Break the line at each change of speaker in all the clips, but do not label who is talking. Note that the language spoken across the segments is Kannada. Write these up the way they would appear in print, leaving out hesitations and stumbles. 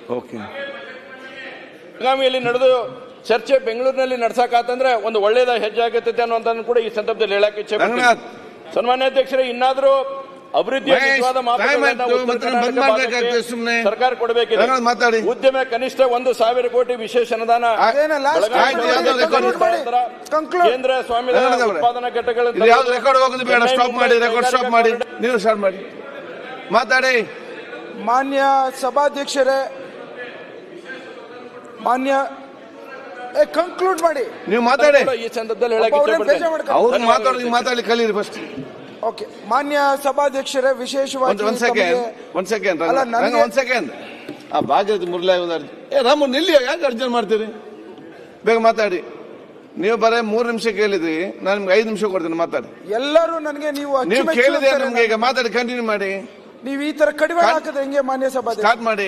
ಓಕೆ.
ಬೆಳಗಾವಿಯಲ್ಲಿ ನಡೆದು ಚರ್ಚೆ ಬೆಂಗಳೂರಿನಲ್ಲಿ ನಡೆಸಕಾತಂದ್ರೆ ಒಂದು ಒಳ್ಳೆಯದ ಹೆಜ್ಜೆ ಆಗುತ್ತದೆ ಅನ್ನುವಂಥದ್ದು ಕೂಡ ಈ ಸಂದರ್ಭದಲ್ಲಿ ಹೇಳಕ್ಕೆ ಇಚ್ಛೆ ಪಡ್ತೀನಿ. ಸನ್ಮಾನ್ಯ ಅಧ್ಯಕ್ಷರೇ, ಇನ್ನಾದರೂ ಅಭಿವೃದ್ಧಿಯ ನಿಜವಾದ ಸರ್ಕಾರ ಕೊಡಬೇಕಿದೆ. ಉದ್ಯಮ ಕನಿಷ್ಠ 1,000 ಕೋಟಿ ವಿಶೇಷ ಅನುದಾನ ಕೇಂದ್ರ ಸ್ವಾಮ್ಯದ ಉತ್ಪಾದನಾ ಘಟಕಗಳ
ಮಾತಾಡಿ.
ಮಾನ್ಯ ಸಭಾಧ್ಯಕ್ಷರೇ, ಮಾನ್ಯ ಕಂಕ್ಲೂಡ್ ಮಾಡಿ.
ನೀವು ಮಾತಾಡಿ. ಈ ಸಂದರ್ಭದಲ್ಲಿ ಹೇಳಕ್ಕೆ ಇಚ್ಛೆ ಪಡ್ತೀನಿ.
ಅವ್ರು ಮಾತಾಡಿ ಕಲೀರಿ ಫಸ್ಟ್.
ಓಕೆ. ಮಾನ್ಯ ಸಭಾಧ್ಯಕ್ಷರೇ, ವಿಶೇಷವಾಗಿ
ಒಂದ್ ಸೆಕೆಂಡ್ ಆ ಭಾಗ್ಯದ ಮುರಳಿ ರಾಮು ನಿಲ್ಲಿ, ಯಾಕೆ ಅರ್ಜೆಂಟ್ ಮಾಡ್ತೀರಿ? ಬೇಗ ಮಾತಾಡಿ. ನೀವು ಬರೇ 3 ನಿಮಿಷ ಕೇಳಿದ್ರಿ, ನಾನು ನಿಮ್ಗೆ 5 ನಿಮಿಷ ಕೊಡ್ತೀನಿ, ಮಾತಾಡಿ.
ಎಲ್ಲರೂ ನನಗೆ ನೀವು
ಕೇಳಿದ್ರೆ ನಮ್ಗೆ ಈಗ ಮಾತಾಡಿ ಕಂಟಿನ್ಯೂ ಮಾಡಿ.
ನೀವು ಈ ತರ ಕಡಿಮೆ ಹಾಕಿದ್ರೆ ಹೆಂಗೆ? ಮಾನ್ಯ ಸಭಾಧ್ಯಕ್ಷ
ಸ್ಟಾರ್ಟ್ ಮಾಡಿ.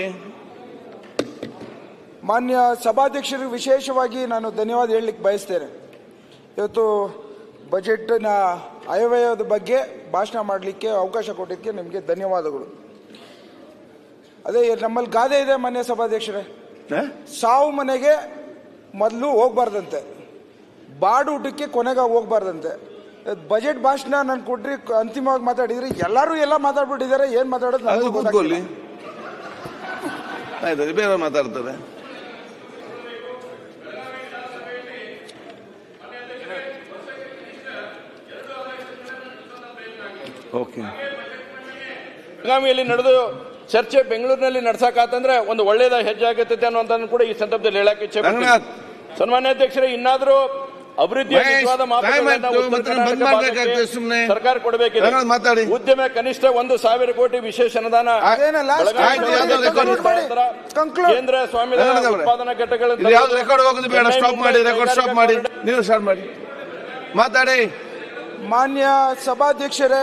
ಮಾನ್ಯ ಸಭಾಧ್ಯಕ್ಷರಿಗೆ ವಿಶೇಷವಾಗಿ ನಾನು ಧನ್ಯವಾದ ಹೇಳಲಿಕ್ಕೆ ಬಯಸ್ತೇನೆ. ಇವತ್ತು ಬಜೆಟ್ನ ಆಯವ್ಯಯದ ಬಗ್ಗೆ ಭಾಷಣ ಮಾಡಲಿಕ್ಕೆ ಅವಕಾಶ ಕೊಟ್ಟಿದ್ದಕ್ಕೆ ನಿಮಗೆ ಧನ್ಯವಾದಗಳು. ಅದೇ ನಮ್ಮಲ್ಲಿ ಗಾದೆ ಇದೆ ಮಾನ್ಯ ಸಭಾಧ್ಯಕ್ಷರೇ, ಸಾವು ಮನೆಗೆ ಮೊದಲು ಹೋಗ್ಬಾರ್ದಂತೆ, ಬಾಡು ಊಟಕ್ಕೆ ಕೊನೆಗೆ ಹೋಗ್ಬಾರ್ದಂತೆ. ಬಜೆಟ್ ಭಾಷಣ ನಾನು ಕೊಟ್ರಿ, ಅಂತಿಮವಾಗಿ ಮಾತಾಡಿದ್ರಿ, ಎಲ್ಲರೂ ಎಲ್ಲ ಮಾತಾಡ್ಬಿಟ್ಟಿದ್ದಾರೆ. ಏನ್ ಮಾತಾಡೋದು
ಕೂತ್ಕೊಳ್ಳಿ, ಆಯ್ತು, ಬೇರೆ ಮಾತಾಡ್ತಾರೆ. ಓಕೆ.
ಬೆಳಗಾವಿಯಲ್ಲಿ ನಡೆದು ಚರ್ಚೆ ಬೆಂಗಳೂರಿನಲ್ಲಿ ನಡೆಸಕಾತಂದ್ರೆ ಒಂದು ಒಳ್ಳೆಯದ ಹೆಜ್ಜೆ ಆಗುತ್ತದೆ ಅನ್ನುವಂಥದ್ದು ಕೂಡ ಈ ಸಂದರ್ಭದಲ್ಲಿ ಹೇಳಕ್ಕೆ ಇಚ್ಛೆ ಪಡ್ತೀನಿ. ಸನ್ಮಾನ್ಯ ಅಧ್ಯಕ್ಷರೇ, ಇನ್ನಾದರೂ ಅಭಿವೃದ್ಧಿಯ ನಿಜವಾದ ಸರ್ಕಾರ ಕೊಡಬೇಕಿದೆ. ಉದ್ಯಮ ಕನಿಷ್ಠ 1,000 ಕೋಟಿ ವಿಶೇಷ ಅನುದಾನ ಕೇಂದ್ರ ಸ್ವಾಮ್ಯದ ಉತ್ಪಾದನಾ ಘಟಕಗಳ
ನೀವು ಸ್ಟಾರ್ಟ್ ಮಾಡಿ. ಮಾತಾಡಿ.
ಮಾನ್ಯ ಸಭಾಧ್ಯಕ್ಷರೇ,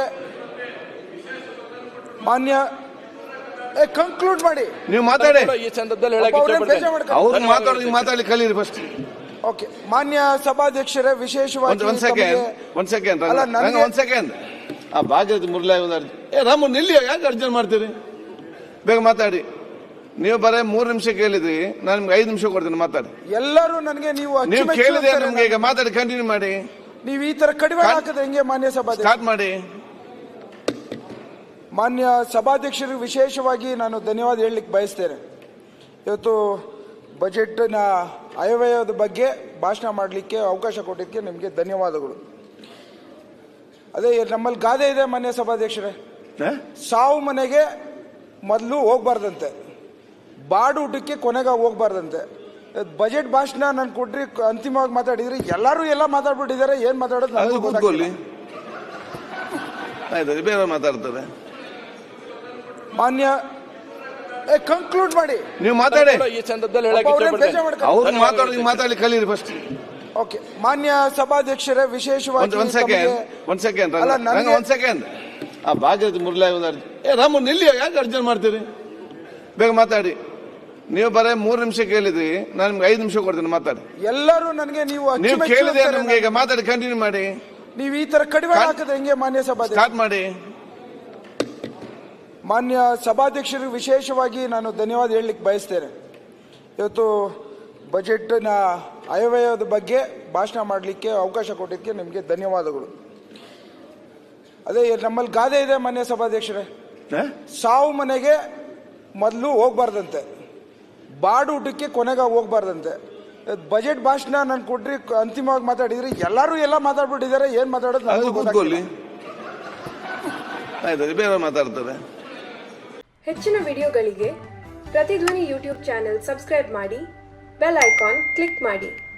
ಮಾನ್ಯ ಕಂಕ್ಲೂಡ್ ಮಾಡಿ.
ನೀವು ಮಾತಾಡಿ.
ಈ ಸಂದರ್ಭದಲ್ಲಿ ಹೇಳಕ್ಕೆ ಇಚ್ಛೆ ಪಡ್ತೀನಿ.
ಅವ್ರು ಮಾತಾಡಿ ಕಲೀರಿ ಫಸ್ಟ್.
ಓಕೆ. ಮಾನ್ಯ ಸಭಾಧ್ಯಕ್ಷರೇ, ವಿಶೇಷವಾಗಿ
ಒಂದ್ ಸೆಕೆಂಡ್ ಆ ಭಾಗ್ಯದ ಮುರಳಿ ರಾಮು ನಿಲ್ಲಿ, ಯಾಕೆ ಅರ್ಜೆಂಟ್ ಮಾಡ್ತೀರಿ? ಬೇಗ ಮಾತಾಡಿ. ನೀವು ಬರೇ 3 ನಿಮಿಷ ಕೇಳಿದ್ರಿ, ನಾನು ನಿಮ್ಗೆ 5 ನಿಮಿಷ ಕೊಡ್ತೀನಿ, ಮಾತಾಡಿ.
ಎಲ್ಲರೂ ನನಗೆ ನೀವು
ಕೇಳಿದ್ರೆ ನಮ್ಗೆ ಈಗ ಮಾತಾಡಿ ಕಂಟಿನ್ಯೂ ಮಾಡಿ.
ನೀವು ಈ ತರ ಕಡಿಮೆ ಹಾಕಿದ್ರೆ ಹೆಂಗೆ? ಮಾನ್ಯ ಸಭಾಧ್ಯಕ್ಷ
ಸ್ಟಾರ್ಟ್ ಮಾಡಿ.
ಮಾನ್ಯ ಸಭಾಧ್ಯಕ್ಷರಿಗೆ ವಿಶೇಷವಾಗಿ ನಾನು ಧನ್ಯವಾದ ಹೇಳಲಿಕ್ಕೆ ಬಯಸ್ತೇನೆ. ಇವತ್ತು ಬಜೆಟ್ನ ಆಯವ್ಯಯದ ಬಗ್ಗೆ ಭಾಷಣ ಮಾಡಲಿಕ್ಕೆ ಅವಕಾಶ ಕೊಟ್ಟಿದ್ದಕ್ಕೆ ನಿಮಗೆ ಧನ್ಯವಾದಗಳು. ಅದೇ ನಮ್ಮಲ್ಲಿ ಗಾದೆ ಇದೆ ಮಾನ್ಯ ಸಭಾಧ್ಯಕ್ಷರೇ, ಸಾವು ಮನೆಗೆ ಮೊದಲು ಹೋಗ್ಬಾರ್ದಂತೆ, ಬಾಡು ಊಟಕ್ಕೆ ಕೊನೆಗೆ ಹೋಗ್ಬಾರ್ದಂತೆ. ಬಜೆಟ್ ಭಾಷಣ ನಾನು ಕೊಟ್ರಿ, ಅಂತಿಮವಾಗಿ ಮಾತಾಡಿದ್ರಿ, ಎಲ್ಲರೂ ಎಲ್ಲ ಮಾತಾಡ್ಬಿಟ್ಟಿದ್ದಾರೆ. ಏನ್ ಮಾತಾಡೋದು
ಕೂತ್ಕೊಳ್ಳಿ, ಆಯ್ತು, ಬೇರೆ ಮಾತಾಡ್ತಾರೆ.
ಮಾನ್ಯ ಕಂಕ್ಲೂಡ್ ಮಾಡಿ.
ನೀವು ಮಾತಾಡಿ.
ಈ ಸಂದರ್ಭದಲ್ಲಿ ಹೇಳಕ್ಕೆ ಇಚ್ಛೆ ಪಡ್ತೀನಿ.
ಅವ್ರು ಮಾತಾಡಿ ಕಲೀರಿ ಫಸ್ಟ್.
ಓಕೆ. ಮಾನ್ಯ ಸಭಾಧ್ಯಕ್ಷರೇ, ವಿಶೇಷವಾಗಿ
ಒಂದ್ ಸೆಕೆಂಡ್ ಆ ಭಾಗ್ಯದ ಮುರಳಿ ರಾಮು ನಿಲ್ಲಿ, ಯಾಕೆ ಅರ್ಜೆಂಟ್ ಮಾಡ್ತೀರಿ? ಬೇಗ ಮಾತಾಡಿ. ನೀವು ಬರೇ 3 ನಿಮಿಷ ಕೇಳಿದ್ರಿ, ನಾನು ನಿಮ್ಗೆ 5 ನಿಮಿಷ ಕೊಡ್ತೀನಿ, ಮಾತಾಡಿ.
ಎಲ್ಲರೂ ನನಗೆ ನೀವು
ಕೇಳಿದ್ರೆ ನಮ್ಗೆ ಈಗ ಮಾತಾಡಿ ಕಂಟಿನ್ಯೂ ಮಾಡಿ.
ನೀವು ಈ ತರ ಕಡಿಮೆ ಹಾಕಿದ್ರೆ ಹೆಂಗೆ? ಮಾನ್ಯ ಸಭಾಧ್ಯಕ್ಷ
ಸ್ಟಾರ್ಟ್ ಮಾಡಿ.
ಮಾನ್ಯ ಸಭಾಧ್ಯಕ್ಷರಿಗೆ ವಿಶೇಷವಾಗಿ ನಾನು ಧನ್ಯವಾದ ಹೇಳಲಿಕ್ಕೆ ಬಯಸ್ತೇನೆ. ಇವತ್ತು ಬಜೆಟ್ನ ಆಯವ್ಯಯದ ಬಗ್ಗೆ ಭಾಷಣ ಮಾಡಲಿಕ್ಕೆ ಅವಕಾಶ ಕೊಟ್ಟಿದ್ದಕ್ಕೆ ನಿಮಗೆ ಧನ್ಯವಾದಗಳು. ಅದೇ ನಮ್ಮಲ್ಲಿ ಗಾದೆ ಇದೆ ಮಾನ್ಯ ಸಭಾಧ್ಯಕ್ಷರೇ, ಸಾವು ಮನೆಗೆ ಮೊದಲು ಹೋಗ್ಬಾರ್ದಂತೆ, ಬಾಡು ಊಟಕ್ಕೆ ಕೊನೆಗೆ ಹೋಗ್ಬಾರ್ದಂತೆ. ಬಜೆಟ್ ಭಾಷಣ ನಾನು ಕೊಟ್ರಿ, ಅಂತಿಮವಾಗಿ ಮಾತಾಡಿದ್ರಿ, ಎಲ್ಲರೂ ಎಲ್ಲ ಮಾತಾಡ್ಬಿಟ್ಟಿದ್ದಾರೆ. ಏನ್ ಮಾತಾಡೋದು
ಕೂತ್ಕೊಳ್ಳಿ, ಆಯ್ತು, ಬೇರೆ ಮಾತಾಡ್ತಾರೆ.
ಹೆಚ್ಚಿನ ವಿಡಿಯೋಗಳಿಗೆ ಪ್ರತಿಧ್ವನಿ ಯೂಟ್ಯೂಬ್ ಚಾನೆಲ್ ಸಬ್ಸ್ಕ್ರೈಬ್ ಮಾಡಿ, ಬೆಲ್ ಐಕಾನ್ ಕ್ಲಿಕ್ ಮಾಡಿ.